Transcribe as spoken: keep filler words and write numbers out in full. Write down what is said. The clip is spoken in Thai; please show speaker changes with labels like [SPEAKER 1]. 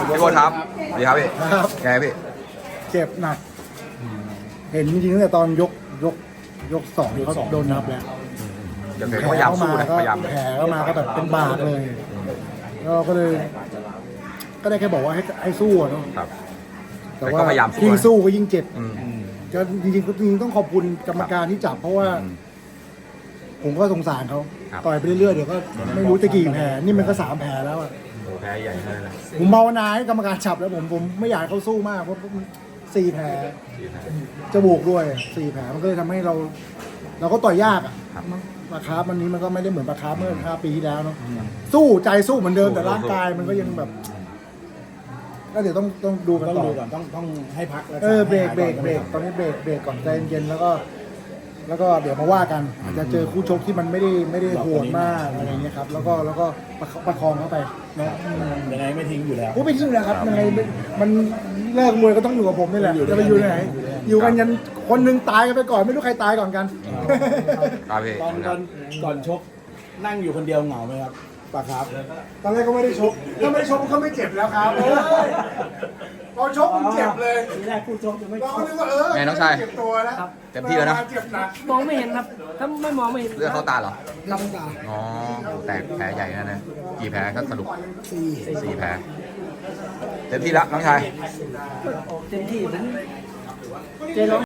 [SPEAKER 1] พี่โบ๊ทครับสวัสดีครับพี่
[SPEAKER 2] ครับ
[SPEAKER 1] ไงพี่
[SPEAKER 2] เจ็บหนัก เห็นจริงๆตั้งแต่ตอนยกยกยกสองเขาโดนนับแล้ว
[SPEAKER 1] เดี๋ยวพยายามสู้นะ
[SPEAKER 2] ก็
[SPEAKER 1] พยายาม
[SPEAKER 2] แผลเข้ามาก็แบบเป็นบาดเลยแล้วก็เลย ก็ได้แค่บอกว่าให้ให้สู้อะเนาะ
[SPEAKER 1] ครับ
[SPEAKER 2] แต่
[SPEAKER 1] แต่
[SPEAKER 2] ว่า
[SPEAKER 1] ก็พยายามสู้
[SPEAKER 2] ยิ่งสู้ก็ยิ่งเจ็บ
[SPEAKER 1] อืม
[SPEAKER 2] ก็จริงๆจริงๆต้องขอบคุณกรรมการที่จับเพราะว่า
[SPEAKER 1] อืม
[SPEAKER 2] ผมก็สงสารเขา
[SPEAKER 1] ครับ
[SPEAKER 2] ต่อยไปเรื่อยๆเดี๋ยวก็ไม่รู้จะกี่แผลนี่มันก็สามแผลแล้วอะ
[SPEAKER 1] โอ้แพ้ใหญ่เลยนะ
[SPEAKER 2] ผมภาวนาให้กรรมการจับแล้วผมผมไม่อยากให้เขาสู้มากเพราะมันสี่แผลจมูกด้วยสี่แผลมันก็เลยทำให้เรา เราก็ต่อยยากอ่ะปลาคาร์ฟวันนี้มันก็ไม่ได้เหมือนปลาคาร์ฟเมื่อห้าปีที่แล้วเนาะสู้ใจสู้เหมือนเดิมแต่ร่างกายมันก็ยังแบบก็เดี๋ยวต้องต้องดูกัน
[SPEAKER 3] ต้อง
[SPEAKER 2] ต่อ
[SPEAKER 3] ดูก่อนต้องต้องให้พักรักษา
[SPEAKER 2] เออเบรก
[SPEAKER 3] ให้
[SPEAKER 2] เบร
[SPEAKER 3] หาย
[SPEAKER 2] ก
[SPEAKER 3] ก่อน
[SPEAKER 2] เบรกตอนนี้เบรกเบรกก่อนใจเย็นๆแล้วก็ แล้วก็เดี๋ยวมาว่ากันอาจจะเจอคู่ชกที่มันไม่ได้ไม่ได้โหดมากอะไรเงี้ยครับแล้วก็แล้วก็ประคประคองเข้าไปนะอืม
[SPEAKER 3] ยังไงไม่ทิ้งอยู่แล้ว
[SPEAKER 2] โอ้ไม่ทิ้งแล้วครับยังไงมันเลิกมวยก็ต้องอยู่กับผมนี่แหละ
[SPEAKER 3] อยู่ด้
[SPEAKER 2] จะ
[SPEAKER 3] วย
[SPEAKER 2] ไป
[SPEAKER 3] กัน
[SPEAKER 2] อยู่ไหนอยู่กันยันคนหนึ่งตายกันไปก่อนไม่รู้ใครตายก่อนกัน
[SPEAKER 1] ครับพี่
[SPEAKER 3] ตอนตอนก่อนชกนั่งอยู่คนเดียวเหงาไหมครับปะครับ
[SPEAKER 2] ตอนแรกก็ไม่ได้ชกถ้าไม่ได้ชกก็ไม่เจ็บแล้วครับพอชกมันเจ็บเลย
[SPEAKER 3] ทีแรกพูดชกจะไม่
[SPEAKER 2] เรา
[SPEAKER 3] ช
[SPEAKER 2] ก็
[SPEAKER 3] ก
[SPEAKER 2] นึกว่าเออ
[SPEAKER 1] ไงน้องชาย
[SPEAKER 2] เจ็บตัวแล้ว
[SPEAKER 1] เต็มที่แล้วนะ
[SPEAKER 2] เจ็บหนัก
[SPEAKER 4] มองไม่เห็นครับ ถ้าไม่มองไม่เห็น
[SPEAKER 1] เลือดเข้าตาเหรอ
[SPEAKER 2] ลำตา
[SPEAKER 1] อ๋อแตกแผลใหญ่นะนะกี่แผลก็สรุป
[SPEAKER 2] สี่
[SPEAKER 1] สี่แผลเต็มที่แล้วน้องชาย
[SPEAKER 4] เต็มที่ผมเจร้อง